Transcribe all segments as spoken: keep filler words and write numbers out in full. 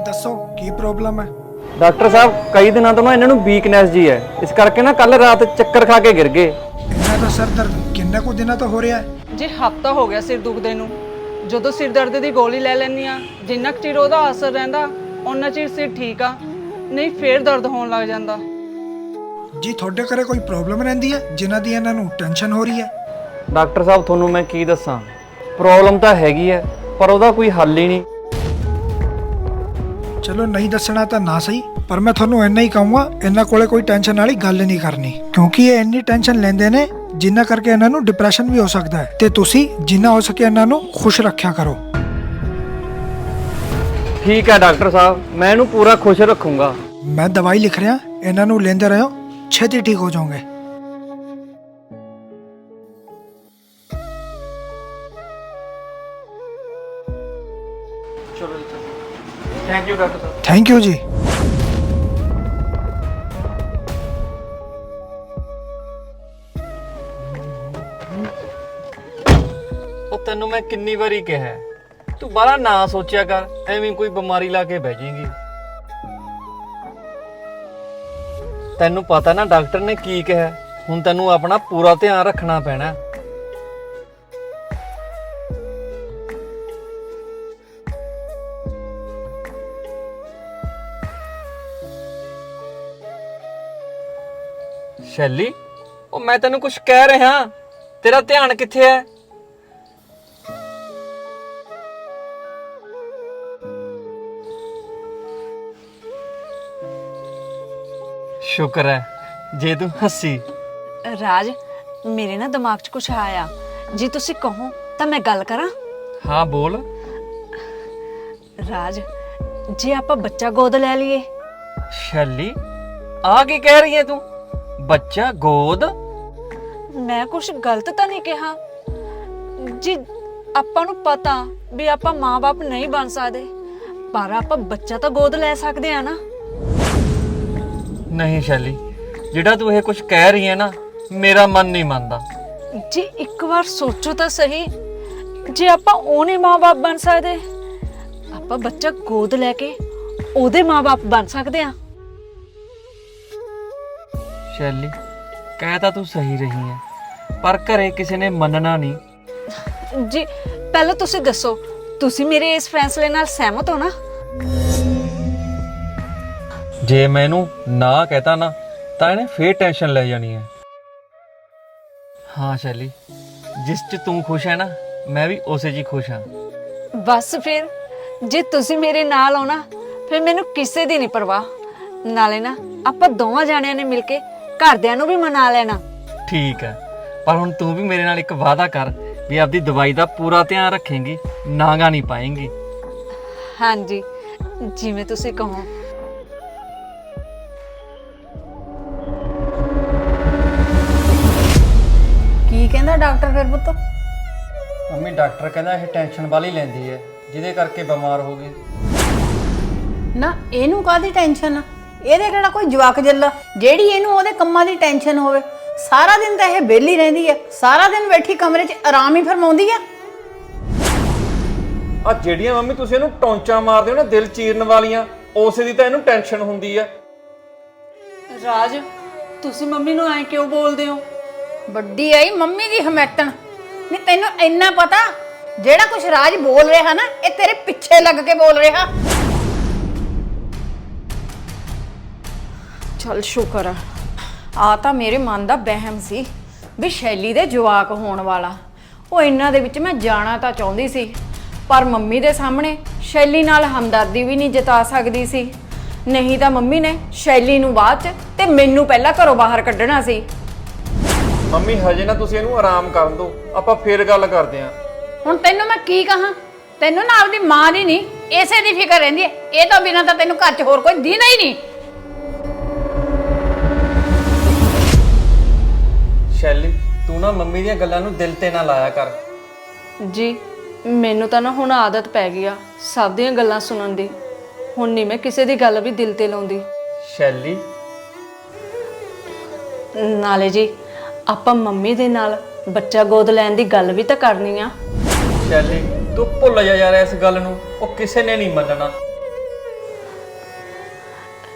दसो की प्रॉब्लम है? डॉक्टर साहब कई दिनों तो ना इन्होंने वीकनेस जी है, इस करके ना कल रात चक्कर खा के गिर गए। इन्ना तो सर दर्द किन्ने को दिना तो हो रहा है जी। हफ्ता हो गया सिर दुखदे ਨੂੰ ਜਦੋਂ ਸਿਰ ਦਰਦ ਦੀ ਗੋਲੀ ਲੈ ਲੈਂਦੀ ਆ, ਜਿੰਨਾ ਕੁ ਚਿਰ ਉਹਦਾ ਅਸਰ ਰਹਿੰਦਾ ਉਹਨਾਂ ਚਿਰ ਸਿਰ ਠੀਕ ਆ, ਨਹੀਂ ਫੇਰ ਦਰਦ ਹੋਣ ਲੱਗ ਜਾਂਦਾ। ਜੀ ਤੁਹਾਡੇ ਘਰੇ ਕੋਈ ਪ੍ਰੋਬਲਮ ਰਹਿੰਦੀ ਹੈ ਜਿਨ੍ਹਾਂ ਦੀ ਇਹਨਾਂ ਨੂੰ ਟੈਨਸ਼ਨ ਹੋ ਰਹੀ ਹੈ? ਡਾਕਟਰ ਸਾਹਿਬ ਤੁਹਾਨੂੰ ਮੈਂ ਕੀ ਦੱਸਾਂ, ਪ੍ਰੋਬਲਮ ਤਾਂ ਹੈਗੀ ਹੈ ਪਰ ਉਹਦਾ ਕੋਈ ਹੱਲ ਹੀ ਨਹੀਂ। ਚਲੋ ਨਹੀਂ ਦੱਸਣਾ ਤਾਂ ਨਾ ਸਹੀ, ਪਰ ਮੈਂ ਤੁਹਾਨੂੰ ਇੰਨਾ ਹੀ ਕਹੂੰਗਾ ਇਹਨਾਂ ਕੋਲੇ ਕੋਈ ਟੈਨਸ਼ਨ ਵਾਲੀ ਗੱਲ ਨਹੀਂ ਕਰਨੀ, ਕਿਉਂਕਿ ਇਹ ਇੰਨੀ ਟੈਨਸ਼ਨ ਲੈਂਦੇ ਨੇ ਜਿੰਨਾ ਕਰਕੇ ਇਹਨਾਂ ਨੂੰ ਡਿਪਰੈਸ਼ਨ ਵੀ ਹੋ ਸਕਦਾ ਹੈ, ਤੇ ਤੁਸੀਂ ਜਿੰਨਾ ਹੋ ਸਕੇ ਇਹਨਾਂ ਨੂੰ ਖੁਸ਼ ਰੱਖਿਆ ਕਰੋ। ਠੀਕ ਹੈ ਡਾਕਟਰ ਸਾਹਿਬ, ਮੈਂ ਇਹਨੂੰ ਪੂਰਾ ਖੁਸ਼ ਰੱਖੂੰਗਾ। ਮੈਂ ਦਵਾਈ ਲਿਖ ਰਿਹਾ, ਇਹਨਾਂ ਨੂੰ ਲੈਂਦੇ ਰਹੋ, ਛੇਤੀ ਠੀਕ ਹੋ ਜਾਓਗੇ। ਚਲੋ ਥੈਂਕ ਯੂ ਡਾਕਟਰ ਸਾਹਿਬ। ਥੈਂਕ ਯੂ ਜੀ। ਉਹ ਤੈਨੂੰ ਮੈਂ ਕਿੰਨੀ ਵਾਰੀ ਕਿਹਾ ਤੂੰ ਬਾਹਲਾ ਨਾ ਸੋਚਿਆ ਕਰ, ਐਵੇਂ ਕੋਈ ਬਿਮਾਰੀ ਲਾ ਕੇ ਬਹਿ ਜਾਏਗੀ। ਤੈਨੂੰ ਪਤਾ ਨਾ ਡਾਕਟਰ ਨੇ ਕੀ ਕਿਹਾ, ਹੁਣ ਤੈਨੂੰ ਆਪਣਾ ਪੂਰਾ ਧਿਆਨ ਰੱਖਣਾ ਪੈਣਾ। ਸ਼ੈਲੀ, ਉਹ ਮੈਂ ਤੈਨੂੰ ਕੁਝ ਕਹਿ ਰਿਹਾ, ਤੇਰਾ ਧਿਆਨ ਕਿੱਥੇ ਹੈ? ਸ਼ੁਕਰ ਹੈ ਜੇ ਤੂੰ ਹੱਸੀ। ਰਾਜ, ਮੇਰੇ ਨਾ ਦਿਮਾਗ 'ਚ ਕੁਛ ਆਇਆ, ਜੇ ਤੁਸੀਂ ਕਹੋ ਤਾਂ ਮੈਂ ਗੱਲ ਕਰਾਂ? ਹਾਂ ਬੋਲ। ਰਾਜ, ਜੇ ਆਪਾਂ ਬੱਚਾ ਗੋਦ ਲੈ ਲਈਏ? ਸ਼ੈਲੀ, ਆ ਕੀ ਕਹਿ ਰਹੀ ਹੈ ਤੂੰ? ਬੱਚਾ ਗੋਦ? ਮੈਂ ਕੁਛ ਗਲਤ ਤਾਂ ਨਹੀਂ ਕਿਹਾ? ਜੀ ਆਪਾਂ ਨੂੰ ਪਤਾ ਵੀ ਆਪਾਂ ਮਾਂ-ਬਾਪ ਨਹੀਂ ਬਣ ਸਕਦੇ, ਪਰ ਆਪਾਂ ਬੱਚਾ ਤਾਂ ਗੋਦ ਲੈ ਸਕਦੇ ਆ ਨਾ। ਨਹੀਂ ਸ਼ੈਲੀ, ਜਿਹੜਾ ਤੂੰ ਇਹ ਕੁਝ ਕਹਿ ਰਹੀ ਹੈ ਨਾ, ਮੇਰਾ ਮਨ ਨਹੀਂ ਮੰਨਦਾ। ਜੀ ਇੱਕ ਵਾਰ ਸੋਚੋ ਤਾਂ ਸਹੀ, ਜੇ ਆਪਾਂ ਉਹ ਨਹੀਂ ਮਾਂ-ਬਾਪ ਬਣ ਸਕਦੇ, ਆਪਾਂ ਬੱਚਾ ਗੋਦ ਲੈ ਕੇ ਉਹਦੇ ਮਾਂ-ਬਾਪ ਬਣ ਸਕਦੇ ਆ। ਸ਼ੈਲੀ, ਕਹਿ ਤਾਂ ਤੂੰ ਸਹੀ ਰਹੀ ਹੈ, ਪਰ ਘਰੇ ਕਿਸੇ ਨੇ ਮੰਨਣਾ ਨਹੀਂ। ਜੀ ਪਹਿਲਾਂ ਤੁਸੀਂ ਦੱਸੋ, ਤੁਸੀਂ ਮੇਰੇ ਇਸ ਫੈਸਲੇ ਨਾਲ ਸਹਿਮਤ ਹੋ ਨਾ? ਜੇ ਮੈਂ ਇਹਨੂੰ ਨਾ ਕਹਤਾ ਨਾ ਤਾਂ ਇਹਨੇ ਫੇਰ ਟੈਨਸ਼ਨ ਲੈ ਜਾਣੀ ਹੈ। ਹਾਂ ਸ਼ੈਲੀ, ਜਿਸ 'ਚ ਤੂੰ ਖੁਸ਼ ਹੈ ਨਾ, ਮੈਂ ਵੀ ਉਸੇ 'ਚ ਹੀ ਖੁਸ਼ ਹਾਂ। ਬਸ ਫਿਰ ਜੇ ਤੁਸੀਂ ਮੇਰੇ ਨਾਲ ਹੋ ਨਾ, ਫਿਰ ਮੈਨੂੰ ਕਿਸੇ ਦੀ ਨਹੀਂ ਪਰਵਾਹ। ਨਾਲੇ ਨਾ ਆਪਾਂ ਦੋਵਾਂ ਜਾਣਿਆਂ ਨੇ ਮਿਲ ਕੇ ਘਰਦਿਆਂ ਨੂੰ ਵੀ ਮਨਾ ਲੈਣਾ। ਠੀਕ ਹੈ, ਪਰ ਹੁਣ ਤੂੰ ਵੀ ਮੇਰੇ ਨਾਲ ਇੱਕ ਵਾਅਦਾ ਕਰ ਵੀ ਆਪਦੀ ਦਵਾਈ ਦਾ ਪੂਰਾ ਧਿਆਨ ਰੱਖੇਂਗੀ, ਨਾਗਾ ਨਹੀਂ ਪਾਏਂਗੀ। ਹਾਂਜੀ, ਜਿਵੇਂ ਤੁਸੀਂ ਕਹੋ। ਕੀ ਕਹਿੰਦਾ ਡਾਕਟਰ ਫਿਰ ਪੁੱਤ? ਮੰਮੀ, ਡਾਕਟਰ ਕਹਿੰਦਾ ਇਹ ਟੈਨਸ਼ਨ ਵਾਲੀ ਲੈਂਦੀ ਹੈ, ਜਿਹਦੇ ਕਰਕੇ ਬਿਮਾਰ ਹੋ ਗਈ। ਨਾ ਇਹਨੂੰ ਕਾਹਦੀ ਟੈਨਸ਼ਨ ਆ? ਇਹਦੇ ਕਿਹੜਾ ਕੋਈ ਜਵਾਕ ਜੱਲਾ ਜਿਹੜੀ ਇਹਨੂੰ ਉਹਦੇ ਕੰਮਾਂ ਦੀ ਟੈਨਸ਼ਨ ਹੋਵੇ? ਸਾਰਾ ਦਿਨ ਤਾਂ ਇਹ ਵਿਹਲੀ ਰਹਿੰਦੀ ਆ, ਸਾਰਾ ਦਿਨ ਬੈਠੀ ਕਮਰੇ 'ਚ ਆਰਾਮ ਹੀ ਫਰਮਾਉਂਦੀ ਆ। ਆ ਜਿਹੜੀਆਂ ਮੰਮੀ ਤੁਸੀਂ ਇਹਨੂੰ ਟੌਂਚਾਂ ਮਾਰਦੇ ਹੋ ਨਾ ਦਿਲ ਚੀਰਨ ਵਾਲੀਆਂ, ਉਸੇ ਦੀ ਤਾਂ ਇਹਨੂੰ ਟੈਨਸ਼ਨ ਹੁੰਦੀ ਹੈ। ਰਾਜ, ਤੁਸੀਂ ਮੰਮੀ ਨੂੰ ਐਂ ਕਿਉਂ ਬੋਲਦੇ ਹੋ? ਵੱਡੀ ਆਈ ਮੰਮੀ ਦੀ ਹਮੈਤਣ। ਨਹੀਂ ਤੈਨੂੰ ਇੰਨਾ ਪਤਾ ਜਿਹੜਾ ਕੁਛ ਰਾਜ ਬੋਲ ਰਿਹਾ ਨਾ, ਇਹ ਤੇਰੇ ਪਿੱਛੇ ਲੱਗ ਕੇ ਬੋਲ ਰਿਹਾ। ਚੱਲ ਸ਼ੁਕਰ ਆ, ਆ ਤਾਂ ਮੇਰੇ ਮਨ ਦਾ ਵਹਿਮ ਸੀ ਵੀ ਸ਼ੈਲੀ ਦੇ ਜਵਾਕ ਹੋਣ ਵਾਲਾ। ਉਹ ਇਹਨਾਂ ਦੇ ਵਿੱਚ ਮੈਂ ਜਾਣਾ ਤਾਂ ਚਾਹੁੰਦੀ ਸੀ, ਪਰ ਮੰਮੀ ਦੇ ਸਾਹਮਣੇ ਸ਼ੈਲੀ ਨਾਲ ਹਮਦਰਦੀ ਵੀ ਨਹੀਂ ਜਤਾ ਸਕਦੀ ਸੀ, ਨਹੀਂ ਤਾਂ ਮੰਮੀ ਨੇ ਸ਼ੈਲੀ ਨੂੰ ਬਾਅਦ 'ਚ ਤੇ ਮੈਨੂੰ ਪਹਿਲਾਂ ਘਰੋਂ ਬਾਹਰ ਕੱਢਣਾ ਸੀ। ਮੰਮੀ ਹਜੇ ਨਾ ਤੁਸੀਂ ਇਹਨੂੰ ਆਰਾਮ ਕਰਨ ਦਿਓ, ਆਪਾਂ ਫੇਰ ਗੱਲ ਕਰਦੇ ਆਂ। ਹੁਣ ਤੈਨੂੰ ਮੈਂ ਕੀ ਕਹਾਂ? ਤੈਨੂੰ ਨਾ ਆਪਦੀ ਮਾਂ ਦੀ ਨਹੀਂ ਇਸੇ ਦੀ ਫਿਕਰ ਰਹਿੰਦੀ ਹੈ। ਇਹ ਤੋਂ ਬਿਨਾਂ ਤਾਂ ਤੈਨੂੰ ਘਰ 'ਚ ਹੋਰ ਕੋਈ ਦੀਨਾ ਹੀ ਨਹੀਂ। ਸ਼ੈਲੀ, ਤੂੰ ਨਾ ਮੰਮੀ ਦੀਆਂ ਗੱਲਾਂ ਨੂੰ ਦਿਲ ਤੇ ਨਾ ਲਾਇਆ ਕਰ। ਜੀ ਮੈਨੂੰ ਤਾਂ ਨਾ ਹੁਣ ਆਦਤ ਪੈ ਗਈ ਆ ਸਭ ਦੀਆਂ ਗੱਲਾਂ ਸੁਣਨ ਦੀ, ਹੁਣ ਨਹੀਂ ਮੈਂ ਕਿਸੇ ਦੀ ਗੱਲ ਵੀ ਦਿਲ ਤੇ ਲਾਉਂਦੀ। ਸ਼ੈਲੀ, ਨਾਲੇ ਜੀ ਆਪਾਂ ਮੰਮੀ ਦੇ ਨਾਲ ਬੱਚਾ ਗੋਦ ਲੈਣ ਦੀ ਗੱਲ ਵੀ ਤਾਂ ਕਰਨੀ ਆ। ਸ਼ੈਲੀ, ਤੂੰ ਭੁੱਲ ਜਾ ਯਾਰ ਇਸ ਗੱਲ ਨੂੰ, ਉਹ ਕਿਸੇ ਨੇ ਨਹੀਂ ਮੰਨਣਾ।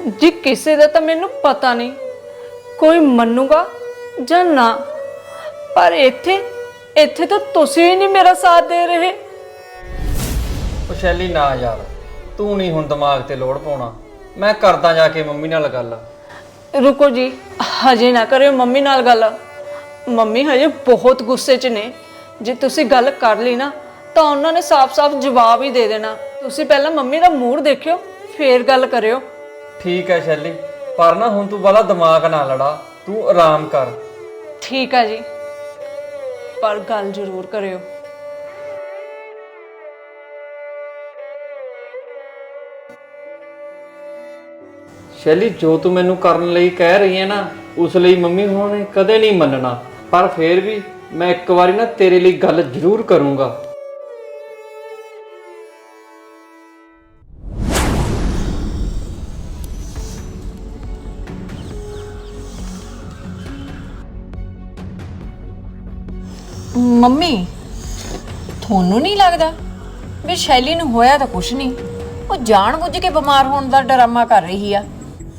ਜੀ ਕਿਸੇ ਦਾ ਤਾਂ ਮੈਨੂੰ ਪਤਾ ਨਹੀਂ ਕੋਈ ਮੰਨੂਗਾ ਜਾਂ ਨਾ, ਪਰ ਇੱਥੇ ਇੱਥੇ ਤਾਂ ਤੁਸੀਂ ਹੀ ਨਹੀਂ ਮੇਰਾ ਸਾਥ ਦੇ ਰਹੇ। ਉਹ ਸ਼ੈਲੀ ਨਾ ਯਾਰ, ਤੂੰ ਨਹੀਂ ਹੁਣ ਦਿਮਾਗ ਤੇ ਲੋੜ ਪਾਉਣਾ। ਮੈਂ ਕਰਦਾ ਜਾ ਕੇ ਮੰਮੀ ਨਾਲ ਗੱਲ। ਰੁਕੋ ਜੀ, ਹਜੇ ਨਾ ਕਰਿਓ ਮੰਮੀ ਨਾਲ ਗੱਲ। ਮੰਮੀ ਹਜੇ ਬਹੁਤ ਗੁੱਸੇ 'ਚ ਨੇ। ਜੇ ਤੁਸੀਂ ਗੱਲ ਕਰ ਲਈ ਨਾ ਤਾਂ ਉਹਨਾਂ ਨੇ ਸਾਫ਼-ਸਾਫ਼ ਜਵਾਬ ਹੀ ਦੇ ਦੇਣਾ। ਤੁਸੀਂ ਪਹਿਲਾਂ ਮੰਮੀ ਦਾ ਮੂਡ ਦੇਖਿਓ, ਫੇਰ ਗੱਲ ਕਰਿਓ। ਠੀਕ ਹੈ ਸ਼ੈਲੀ, ਪਰ ਨਾ ਹੁਣ ਤੂੰ ਵਾਲਾ ਦਿਮਾਗ ਨਾ ਲੜਾ, ਤੂੰ ਆਰਾਮ ਕਰ। ਠੀਕ ਆ ਜੀ, ਪਰ ਗੱਲ ਜ਼ਰੂਰ ਕਰਿਓ। ਸ਼ੈਲੀ, ਜੋ ਤੂੰ ਮੈਨੂੰ ਕਰਨ ਲਈ ਕਹਿ ਰਹੀ ਹੈ ਨਾ, ਉਸ ਲਈ ਮੰਮੀ ਹੋਣਾ ਨੇ ਕਦੇ ਨਹੀਂ ਮੰਨਣਾ, ਪਰ ਫੇਰ ਵੀ ਮੈਂ ਇੱਕ ਵਾਰੀ ਨਾ ਤੇਰੇ ਲਈ ਗੱਲ ਜ਼ਰੂਰ ਕਰੂੰਗਾ। ਮੰਮੀ, ਤੁਹਾਨੂੰ ਨਹੀਂ ਲੱਗਦਾ ਵੀ ਸ਼ੈਲੀ ਨੂੰ ਹੋਇਆ ਤਾਂ ਕੁਛ ਨਹੀਂ, ਉਹ ਜਾਣਬੁੱਝ ਕੇ ਬਿਮਾਰ ਹੋਣ ਦਾ ਡਰਾਮਾ ਕਰ ਰਹੀ ਆ?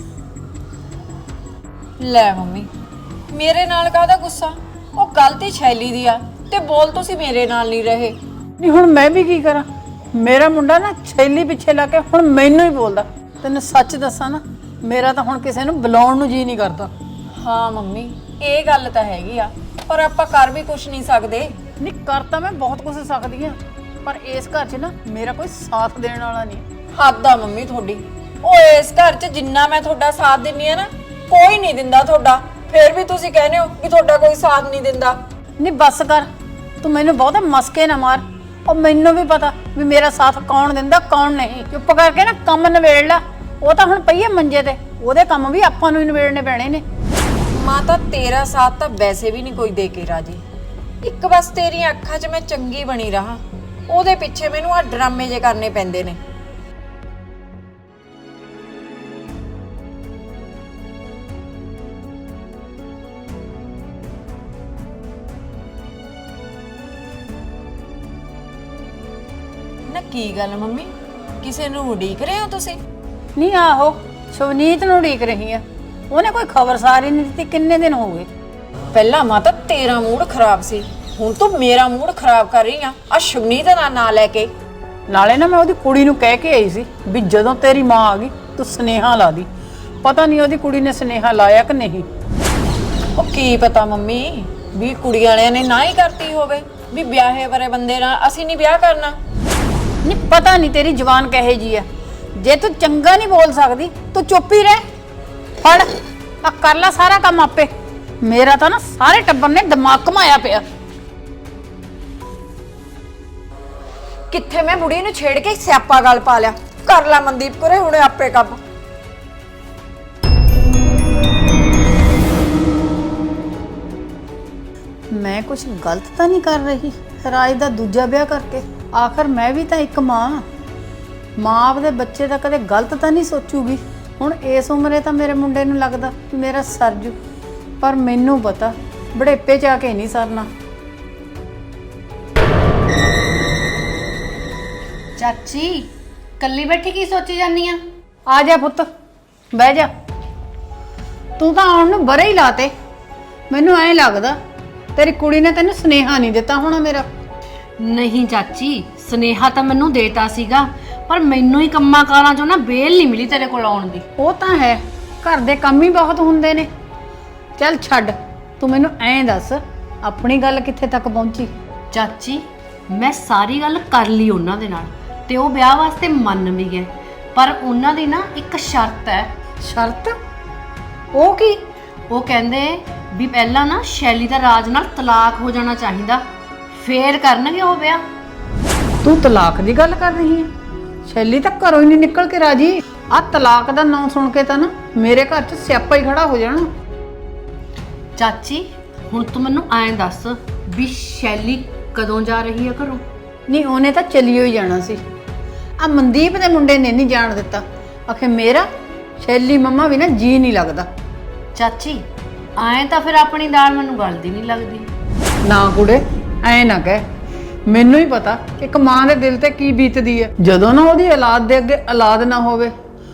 ਲੈ ਮੰਮੀ, ਮੇਰੇ ਨਾਲ ਕਾਹਦਾ ਗੁੱਸਾ? ਉਹ ਗਲਤੀ ਸ਼ੈਲੀ ਦੀ ਆ ਤੇ ਬੋਲ ਤੁਸੀਂ ਮੇਰੇ ਨਾਲ ਨਹੀਂ ਰਹੇ। ਨਹੀਂ ਹੁਣ ਮੈਂ ਵੀ ਕੀ ਕਰਾਂ? ਮੇਰਾ ਮੁੰਡਾ ਨਾ ਛੈਲੀ ਪਿੱਛੇ ਲਾ ਕੇ ਹੁਣ ਮੈਨੂੰ ਹੀ ਬੋਲਦਾ। ਤੈਨੂੰ ਸੱਚ ਦੱਸਾਂ ਨਾ, ਮੇਰਾ ਤਾਂ ਹੁਣ ਕਿਸੇ ਨੂੰ ਬੁਲਾਉਣ ਨੂੰ ਜੀ ਨਹੀਂ ਕਰਦਾ। ਹਾਂ ਮੰਮੀ, ਇਹ ਗੱਲ ਤਾਂ ਹੈਗੀ ਆ, ਪਰ ਆਪਾਂ ਕਰ ਵੀ ਕੁਛ ਨਹੀਂ ਸਕਦੇ। ਨਹੀਂ ਕਰ ਤਾਂ ਮੈਂ ਬਹੁਤ ਕੁਝ ਸਕਦੀ ਆ, ਪਰ ਇਸ ਘਰ 'ਚ ਨਾ ਮੇਰਾ ਕੋਈ ਸਾਥ ਦੇਣ ਵਾਲਾ ਨਹੀਂ। ਹੱਦ ਆ ਮੰਮੀ ਤੁਹਾਡੀ। ਉਹ ਇਸ ਘਰ 'ਚ ਜਿੰਨਾ ਮੈਂ ਤੁਹਾਡਾ ਸਾਥ ਦਿੰਨੀ ਆ ਨਾ, ਕੋਈ ਨਹੀਂ ਦਿੰਦਾ ਤੁਹਾਡਾ। ਫਿਰ ਵੀ ਤੁਸੀਂ ਕਹਿੰਦੇ ਹੋ ਕਿ ਤੁਹਾਡਾ ਕੋਈ ਸਾਥ ਨਹੀਂ ਦਿੰਦਾ। ਨਹੀਂ ਬਸ ਕਰ, ਤੂੰ ਮੈਨੂੰ ਬਹੁਤੇ ਮਸਕੇ ਨਾ ਮਾਰ। ਉਹ ਮੈਨੂੰ ਵੀ ਪਤਾ ਵੀ ਮੇਰਾ ਸਾਥ ਕੌਣ ਦਿੰਦਾ ਕੌਣ ਨਹੀਂ। ਚੁੱਪ ਕਰਕੇ ਨਾ ਕੰਮ ਨਿਬੇੜ ਲੈ। ਉਹ ਤਾਂ ਹੁਣ ਪਈ ਹੈ ਮੰਜੇ ਤੇ, ਉਹਦੇ ਕੰਮ ਵੀ ਆਪਾਂ ਨੂੰ ਹੀ ਨਿਬੇੜਨੇ ਪੈਣੇ ਨੇ। ਮਾਂ ਤਾਂ ਤੇਰਾ ਸਾਥ ਤਾਂ ਵੈਸੇ ਵੀ ਨਹੀਂ ਕੋਈ ਦੇ ਕੇ ਰਾਜੀ। ਇੱਕ ਬਸ ਤੇਰੀਆਂ ਅੱਖਾਂ 'ਚ ਮੈਂ ਚੰਗੀ ਬਣੀ ਰਹਾ, ਉਹਦੇ ਪਿੱਛੇ ਮੈਨੂੰ ਆ ਡਰਾਮੇ ਜੇ ਕਰਨੇ ਪੈਂਦੇ ਨੇ। ਨਾ ਕੀ ਗੱਲ ਮੰਮੀ, ਕਿਸੇ ਨੂੰ ਉਡੀਕ ਰਹੇ ਹੋ ਤੁਸੀਂ? ਨਹੀਂ ਆਹੋ, ਸ਼ਵਨੀਤ ਨੂੰ ਉਡੀਕ ਰਹੀ ਆ। ਉਹਨੇ ਕੋਈ ਖਬਰਸਾਰ ਹੀ ਨਹੀਂ ਦਿੱਤੀ, ਕਿੰਨੇ ਦਿਨ ਹੋ ਗਏ। ਪਹਿਲਾਂ ਮਾਂ ਤਾਂ ਤੇਰਾ ਮੂਡ ਖਰਾਬ ਸੀ, ਹੁਣ ਤੂੰ ਮੇਰਾ ਮੂਡ ਖਰਾਬ ਕਰ ਰਹੀ ਆ ਆ ਸ਼ਵਨੀਤ ਦਾ ਨਾਂ ਲੈ ਕੇ। ਨਾਲੇ ਨਾ ਮੈਂ ਉਹਦੀ ਕੁੜੀ ਨੂੰ ਕਹਿ ਕੇ ਆਈ ਸੀ ਵੀ ਜਦੋਂ ਤੇਰੀ ਮਾਂ ਆ ਗਈ ਤੂੰ ਸੁਨੇਹਾ ਲਾ ਦੀ। ਪਤਾ ਨਹੀਂ ਉਹਦੀ ਕੁੜੀ ਨੇ ਸੁਨੇਹਾ ਲਾਇਆ ਕਿ ਨਹੀਂ। ਉਹ ਕੀ ਪਤਾ ਮੰਮੀ, ਵੀ ਕੁੜੀ ਵਾਲਿਆਂ ਨੇ ਨਾ ਹੀ ਕਰਤੀ ਹੋਵੇ ਵੀ ਵਿਆਹੇ ਵਰੇ ਬੰਦੇ ਨਾਲ ਅਸੀਂ ਨਹੀਂ ਵਿਆਹ ਕਰਨਾ। ਨਹੀਂ ਪਤਾ ਨਹੀਂ ਤੇਰੀ ਜ਼ੁਬਾਨ ਕਹੇ ਜੀ ਆ। ਜੇ ਤੂੰ ਚੰਗਾ ਨਹੀਂ ਬੋਲ ਸਕਦੀ ਤੂੰ ਚੁੱਪ ਹੀ ਰਹਿ। ਫੜ ਆ ਕਰ ਲੈ ਸਾਰਾ ਕੰਮ ਆਪੇ। ਮੇਰਾ ਤਾਂ ਨਾ ਸਾਰੇ ਟੱਬਰ ਨੇ ਦਿਮਾਗ ਘਮਾਇਆ ਪਿਆ। ਕਿੱਥੇ ਮੈਂ ਬੁੜੀ ਨੂੰ ਛੇੜ ਕੇ ਸਿਆਪਾ ਗੱਲ ਪਾ ਲਿਆ। ਕਰ ਲੈ ਮਨਦੀਪ ਕੋਰੇ ਹੁਣੇ ਆਪੇ ਕੰਮ। ਮੈਂ ਕੁਝ ਗਲਤ ਤਾਂ ਨਹੀਂ ਕਰ ਰਹੀ ਰਾਜ ਦਾ ਦੂਜਾ ਵਿਆਹ ਕਰਕੇ? ਆਖਰ ਮੈਂ ਵੀ ਤਾਂ ਇੱਕ ਮਾਂ ਮਾਂ ਆਪਦੇ ਬੱਚੇ ਦਾ ਕਦੇ ਗਲਤ ਤਾਂ ਨਹੀਂ ਸੋਚੂਗੀ। ਹੁਣ ਇਸ ਉਮਰੇ ਤਾਂ ਮੇਰੇ ਮੁੰਡੇ ਨੂੰ ਲੱਗਦਾ ਕਿ ਮੇਰਾ ਸਰਜੂ, ਪਰ ਮੈਨੂੰ ਪਤਾ ਬੜੇਪੇ 'ਚ ਆ ਕੇ ਨਹੀਂ ਸਰਨਾ। ਚਾਚੀ ਕੱਲੀ ਬੈਠੀ ਕੀ ਸੋਚੀ ਜਾਂਦੀ ਆ? ਆ ਜਾ ਪੁੱਤ, ਬਹਿ ਜਾ। ਤੂੰ ਤਾਂ ਆਉਣ ਨੂੰ ਬਰੇ ਹੀ ਲਾਤੇ। ਮੈਨੂੰ ਐਂ ਲੱਗਦਾ ਤੇਰੀ ਕੁੜੀ ਨੇ ਤੈਨੂੰ ਸੁਨੇਹਾ ਨਹੀਂ ਦਿੱਤਾ ਹੋਣਾ ਮੇਰਾ। ਨਹੀਂ ਚਾਚੀ, ਸੁਨੇਹਾ ਤਾਂ ਮੈਨੂੰ ਦੇਤਾ ਸੀਗਾ, ਪਰ ਮੈਨੂੰ ਹੀ ਕੰਮਾਂ ਕਾਰਾਂ ਚੋਂ ਨਾ ਬੇਲ ਨਹੀਂ ਮਿਲੀ ਤੇਰੇ ਕੋਲ ਆਉਣ ਦੀ। ਉਹ ਤਾਂ ਹੈ, ਘਰ ਦੇ ਕੰਮ ਹੀ ਬਹੁਤ ਹੁੰਦੇ ਨੇ। ਚੱਲ ਛੱਡ, ਤੂੰ ਮੈਨੂੰ ਐਂ ਦੱਸ ਆਪਣੀ ਗੱਲ ਕਿੱਥੇ ਤੱਕ ਪਹੁੰਚੀ? ਚਾਚੀ ਮੈਂ ਸਾਰੀ ਗੱਲ ਕਰ ਲਈ ਉਹਨਾਂ ਦੇ ਨਾਲ ਤੇ ਉਹ ਵਿਆਹ ਵਾਸਤੇ ਮੰਨ ਵੀ ਗਏ, ਪਰ ਉਹਨਾਂ ਦੀ ਨਾ ਇੱਕ ਸ਼ਰਤ ਹੈ। ਸ਼ਰਤ? ਉਹ ਕੀ? ਉਹ ਕਹਿੰਦੇ ਵੀ ਪਹਿਲਾਂ ਨਾ ਸ਼ੈਲੀ ਦਾ ਰਾਜ ਨਾਲ ਤਲਾਕ ਹੋ ਜਾਣਾ ਚਾਹੀਦਾ, ਫੇਰ ਕਰਨਗੇ ਉਹ ਵਿਆਹ। ਤੂੰ ਤਲਾਕ ਦੀ ਗੱਲ ਕਰ ਰਹੀ ਹੈ? ਸ਼ੈਲੀ ਤਾਂ ਘਰੋਂ ਹੀ ਨਹੀਂ ਨਿਕਲ ਕੇ ਰਾਜੀ। ਆ ਤਲਾਕ ਦਾ ਨਾਂ ਸੁਣ ਕੇ ਤਾਂ ਨਾ ਮੇਰੇ ਘਰ 'ਚ ਸਿਆਪਾ ਹੀ ਖੜਾ ਹੋ ਜਾਣਾ। ਚਾਚੀ ਹੁਣ ਤੂੰ ਮੈਨੂੰ ਐਂ ਦੱਸ ਵੀ ਸ਼ੈਲੀ ਕਦੋਂ ਜਾ ਰਹੀ ਹੈ ਘਰੋਂ? ਨਹੀਂ ਉਹਨੇ ਤਾਂ ਚਲਿਓ ਹੀ ਜਾਣਾ ਸੀ। ਆ ਮਨਦੀਪ ਦੇ ਮੁੰਡੇ ਨੇ ਨਹੀਂ ਜਾਣ ਦਿੱਤਾ। ਆਖੇ ਮੇਰਾ ਸ਼ੈਲੀ ਮੰਮਾ ਵੀ ਨਾ ਜੀ ਨਹੀਂ ਲੱਗਦਾ। ਚਾਚੀ ਐਂ ਤਾਂ ਫਿਰ ਆਪਣੀ ਦਾਲ ਮੈਨੂੰ ਗਲਦੀ ਨਹੀਂ ਲੱਗਦੀ। ਨਾ ਕੁੜੇ ਐ ਨਾ ਕਹਿ, ਮੈਨੂੰ ਹੀ ਪਤਾ ਇੱਕ ਮਾਂ ਦੇ ਦਿਲ ਤੇ ਕੀ ਬੀਤਦੀ ਹੈ ਜਦੋਂ ਨਾ ਉਹਦੀ ਔਲਾਦ ਦੇ ਅੱਗੇ ਔਲਾਦ ਨਾ ਹੋਵੇ।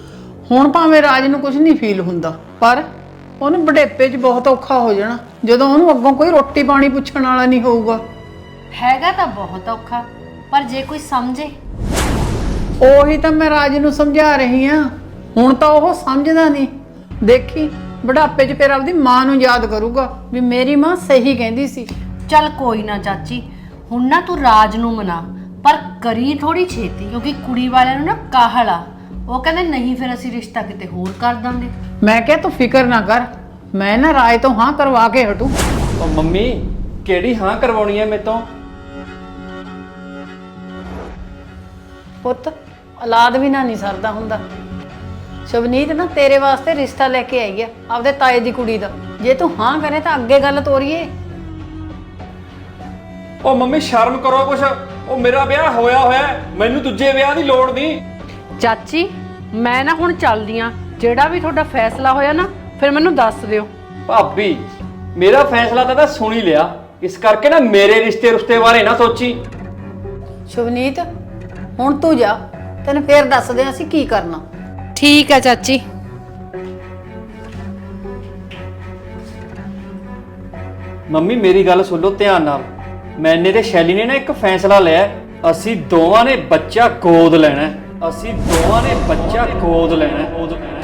ਹੁਣ ਭਾਵੇਂ ਰਾਜ ਨੂੰ ਕੁਝ ਨਹੀਂ ਫੀਲ ਹੁੰਦਾ, ਪਰ ਉਹਨੂੰ ਬੁਢੇਪੇ 'ਚ ਬਹੁਤ ਔਖਾ ਹੋ ਜਾਣਾ ਜਦੋਂ ਉਹਨੂੰ ਅੱਗੋਂ ਕੋਈ ਰੋਟੀ ਪਾਣੀ ਪੁੱਛਣ ਵਾਲਾ ਨਹੀਂ ਹੋਊਗਾ। ਹੈਗਾ ਤਾਂ ਬਹੁਤ ਔਖਾ, ਪਰ ਜੇ ਕੋਈ ਸਮਝੇ। ਉਹੀ ਤਾਂ ਮੈਂ ਰਾਜ ਨੂੰ ਸਮਝਾ ਰਹੀ ਆ, ਹੁਣ ਤਾਂ ਉਹ ਸਮਝਦਾ ਨਹੀਂ। ਦੇਖੀ ਬੁਢਾਪੇ 'ਚ ਫਿਰ ਆਪਦੀ ਮਾਂ ਨੂੰ ਯਾਦ ਕਰੂਗਾ ਵੀ ਮੇਰੀ ਮਾਂ ਸਹੀ ਕਹਿੰਦੀ ਸੀ। ਚੱਲ ਕੋਈ ਨਾ ਚਾਚੀ, ਹੁਣ ਨਾ ਤੂੰ ਰਾਜ ਨੂੰ ਮਨਾ, ਪਰ ਕਰੀ ਥੋੜੀ ਛੇਤੀ, ਕਿਉਂਕਿ ਕੁੜੀ ਵਾਲਿਆਂ ਨੂੰ ਨਾ ਕਾਹਲ ਆ। ਉਹ ਕਹਿੰਦੇ ਨਹੀਂ ਫਿਰ ਅਸੀਂ ਰਿਸ਼ਤਾ ਕਿਤੇ ਹੋਰ ਕਰ ਦਾਂਗੇ। ਮੈਂ ਕਿਹਾ ਤੂੰ ਫਿਕਰ ਨਾ ਕਰ, ਮੈਂ ਨਾ ਰਾਜ ਤੋਂ ਹਾਂ ਕਰਵਾ ਕੇ ਹਟੂ। ਉਹ ਮੰਮੀ ਕਿਹੜੀ ਹਾਂ ਕਰਵਾਉਣੀ ਹੈ ਮੇਰੇ ਤੋਂ? ਪੁੱਤ ਔਲਾਦ ਵੀ ਨਾ ਨਹੀਂ ਸਰਦਾ ਹੁੰਦਾ। ਸ਼ਵਨੀਤ ਨਾ ਤੇਰੇ ਵਾਸਤੇ ਰਿਸ਼ਤਾ ਲੈ ਕੇ ਆਈ ਆ ਆਪਦੇ ਤਾਏ ਦੀ ਕੁੜੀ ਦਾ। ਜੇ ਤੂੰ ਹਾਂ ਕਰੇ ਤਾਂ ਅੱਗੇ ਗੱਲ ਤੋਰੀਏ। ਉਹ ਮੰਮੀ ਸ਼ਰਮ ਕਰੋ ਕੁਛ, ਉਹ ਮੇਰਾ ਵਿਆਹ ਹੋਇਆ ਹੋਇਆ, ਮੈਨੂੰ ਦੂਜੇ ਵਿਆਹ ਦੀ ਲੋੜ ਨਹੀਂ। ਚਾਚੀ ਮੈਂ ਨਾ ਹੁਣ ਚੱਲਦੀ ਆ, ਜਿਹੜਾ ਵੀ ਤੁਹਾਡਾ ਫੈਸਲਾ ਹੋਇਆ ਨਾ ਫਿਰ ਮੈਨੂੰ ਦੱਸ ਦਿਓ। ਭਾਬੀ ਮੇਰਾ ਫੈਸਲਾ ਤਾਂ ਤਾਂ ਸੁਣ ਹੀ ਲਿਆ, ਇਸ ਕਰਕੇ ਨਾ ਮੇਰੇ ਰਿਸ਼ਤੇ ਰੁਸ਼ਤੇ ਬਾਰੇ ਨਾ ਸੋਚੀ। ਸ਼ਵਨੀਤ ਹੁਣ ਤੂੰ ਜਾ, ਤੈਨੂੰ ਫੇਰ ਦੱਸਦੇ ਆਂ ਅਸੀਂ ਕੀ ਕਰਨਾ। ਠੀਕ ਆ ਚਾਚੀ। ਮੰਮੀ ਮੇਰੀ ਗੱਲ ਸੁਣ ਲਓ ਧਿਆਨ ਨਾਲ। ਮੈਨੇ ਤੇ ਸ਼ੈਲੀ ਨੇ ਨਾ ਇੱਕ ਫੈਸਲਾ ਲਿਆ, ਅਸੀਂ ਦੋਵਾਂ ਨੇ ਬੱਚਾ ਗੋਦ ਲੈਣਾ। ਅਸੀਂ ਦੋਵਾਂ ਨੇ ਬੱਚਾ ਗੋਦ ਲੈਣਾ।